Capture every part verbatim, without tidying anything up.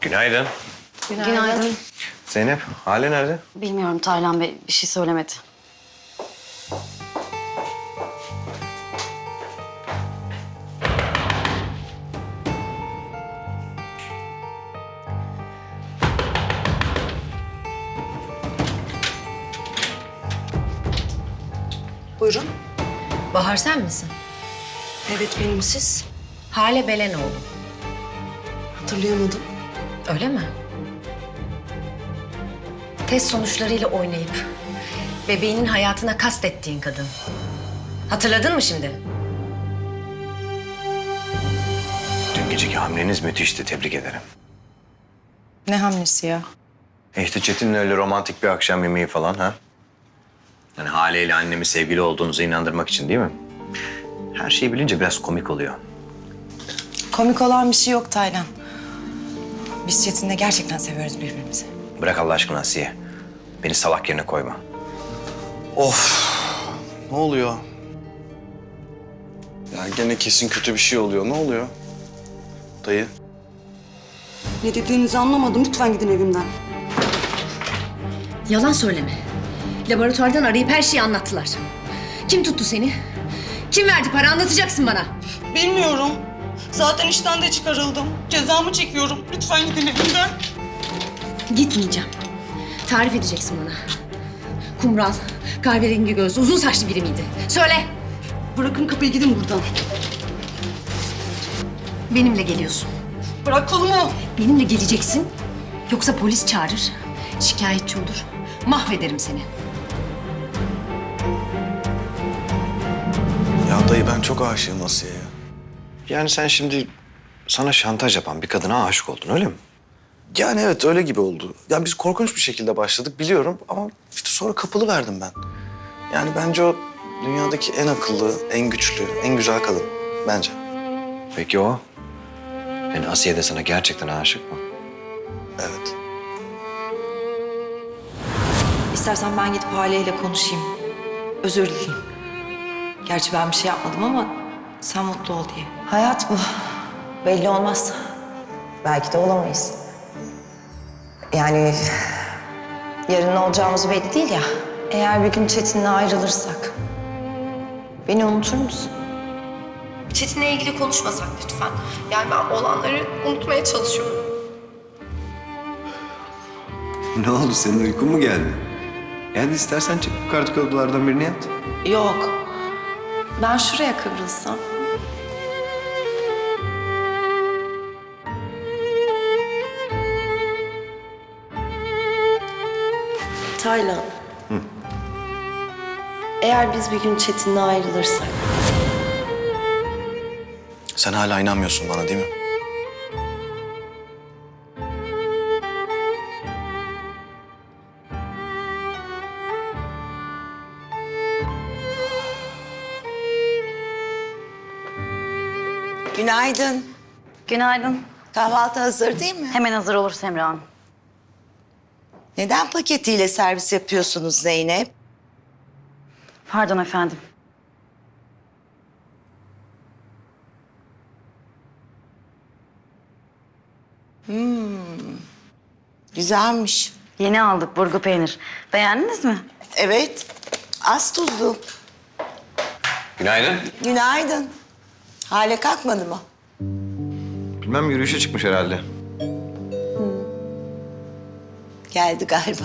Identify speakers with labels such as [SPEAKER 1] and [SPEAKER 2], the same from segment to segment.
[SPEAKER 1] Günaydın.
[SPEAKER 2] Günaydın.
[SPEAKER 3] Günaydın.
[SPEAKER 1] Zeynep, Hale nerede?
[SPEAKER 3] Bilmiyorum, Taylan Bey bir şey söylemedi.
[SPEAKER 2] Buyurun.
[SPEAKER 4] Bahar sen misin?
[SPEAKER 2] Evet, benim siz.
[SPEAKER 4] Hale Belenoğlu.
[SPEAKER 2] Hatırlayamadım.
[SPEAKER 4] Öyle mi? Test sonuçlarıyla oynayıp bebeğinin hayatına kastettiğin kadın. Hatırladın mı şimdi?
[SPEAKER 1] Dün geceki hamleniz müthişti, tebrik ederim.
[SPEAKER 2] Ne hamlesi ya?
[SPEAKER 1] E işte Çetin'le öyle romantik bir akşam yemeği falan ha? Yani Hale ile annemi sevgili olduğunuzu inandırmak için değil mi? Her şeyi bilince biraz komik oluyor.
[SPEAKER 2] Komik olan bir şey yok Taylan. Biz Çetin'le gerçekten seviyoruz birbirimizi.
[SPEAKER 1] Bırak Allah aşkına Asiye. Beni salak yerine koyma.
[SPEAKER 5] Of! Ne oluyor? Ya gene kesin kötü bir şey oluyor. Ne oluyor? Dayı.
[SPEAKER 6] Ne dediğinizi anlamadım. Lütfen gidin evimden.
[SPEAKER 4] Yalan söyleme. Laboratuvardan arayıp her şeyi anlattılar. Kim tuttu seni? Kim verdi para, anlatacaksın bana.
[SPEAKER 6] Bilmiyorum. Zaten işten de çıkarıldım. Cezamı çekiyorum. Lütfen gidin evimden.
[SPEAKER 4] Gitmeyeceğim. Tarif edeceksin bana. Kumral, kahverengi gözlü, uzun saçlı biri miydi? Söyle.
[SPEAKER 6] Bırakın kapıyı, gidin buradan.
[SPEAKER 4] Benimle geliyorsun.
[SPEAKER 6] Bırak kolumu.
[SPEAKER 4] Benimle geleceksin. Yoksa polis çağırır, şikayetçi olur. Mahvederim seni.
[SPEAKER 5] Ya dayı ben çok aşığım Asiye'ye.
[SPEAKER 1] Yani sen şimdi sana şantaj yapan bir kadına aşık oldun öyle mi?
[SPEAKER 5] Yani evet öyle gibi oldu. Ya biz korkunç bir şekilde başladık biliyorum ama işte sonra kapılı verdim ben. Yani bence o dünyadaki en akıllı, en güçlü, en güzel kadın bence.
[SPEAKER 1] Peki o? Yani Asiye de sana gerçekten aşık mı?
[SPEAKER 5] Evet.
[SPEAKER 7] İstersen ben gidip Hale ile konuşayım. Özür dileyeyim. Gerçi ben bir şey yapmadım ama sen mutlu ol diye.
[SPEAKER 8] Hayat bu. Belli olmaz. Belki de olamayız. Yani yarın ne olacağımız belli değil ya. Eğer bir gün Çetin'le ayrılırsak beni unutur musun?
[SPEAKER 7] Çetin'le ilgili konuşmasak lütfen. Yani ben olanları unutmaya çalışıyorum.
[SPEAKER 1] Ne oldu, senin uykun mu geldi? Yani istersen çık yukarıdaki odalardan birini yat.
[SPEAKER 7] Yok. Ben şuraya kıvrılsam.
[SPEAKER 9] Taylan. Eğer biz bir gün Çetin'le ayrılırsak...
[SPEAKER 5] Sen hala inanmıyorsun bana değil mi?
[SPEAKER 8] Günaydın.
[SPEAKER 3] Günaydın.
[SPEAKER 8] Kahvaltı hazır değil mi?
[SPEAKER 3] Hemen hazır olur Semra Hanım.
[SPEAKER 8] Neden paketiyle servis yapıyorsunuz Zeynep?
[SPEAKER 3] Pardon efendim.
[SPEAKER 8] Güzelmiş.
[SPEAKER 3] Yeni aldık burgu peynir. Beğendiniz mi?
[SPEAKER 8] Evet. Az tuzlu.
[SPEAKER 1] Günaydın.
[SPEAKER 8] Günaydın. Hale kalkmadı mı?
[SPEAKER 1] Bilmem, yürüyüşe çıkmış herhalde.
[SPEAKER 8] Geldi galiba.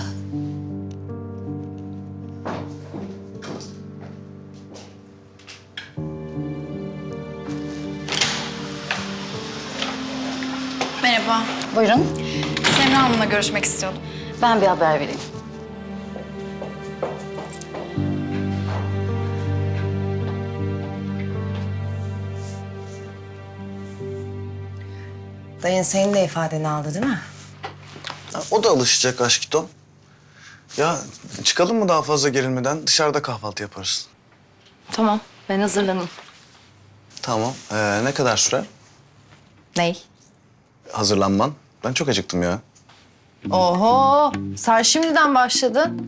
[SPEAKER 10] Merhaba.
[SPEAKER 3] Buyurun.
[SPEAKER 10] Semra Hanım'la görüşmek istiyordum.
[SPEAKER 3] Ben bir haber vereyim.
[SPEAKER 8] Dayın senin de ifadeni aldı değil mi?
[SPEAKER 5] Ya, o da alışacak aşkito. Ya çıkalım mı daha fazla gerilmeden? Dışarıda kahvaltı yaparız.
[SPEAKER 7] Tamam, ben hazırlanayım.
[SPEAKER 5] Tamam. Ee, ne kadar sürer
[SPEAKER 7] Ney?
[SPEAKER 5] hazırlanman? Ben çok acıktım ya.
[SPEAKER 2] Oho, sen şimdiden başladın.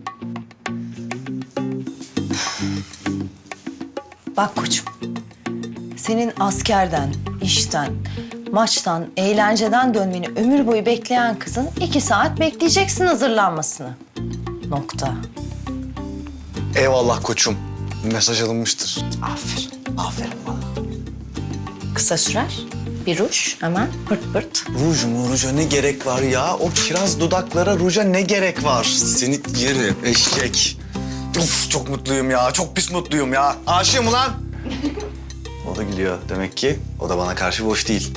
[SPEAKER 8] Bak koçum. Senin askerden, işten, Maçtan, eğlenceden dönmeni ömür boyu bekleyen kızın iki saat bekleyeceksin hazırlanmasını. Nokta.
[SPEAKER 5] Eyvallah koçum. Mesaj alınmıştır.
[SPEAKER 8] Aferin, aferin bana. Kısa sürer. Bir ruj, hemen pırt pırt.
[SPEAKER 5] Ruj mu? Ruja ne gerek var ya? O kiraz dudaklara ruja ne gerek var? Seni yerim eşek. Of çok mutluyum ya. Çok pis mutluyum ya. Aşığım ulan. O da gülüyor. Demek ki o da bana karşı boş değil.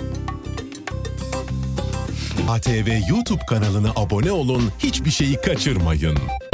[SPEAKER 11] A T V YouTube kanalına abone olun, hiçbir şeyi kaçırmayın.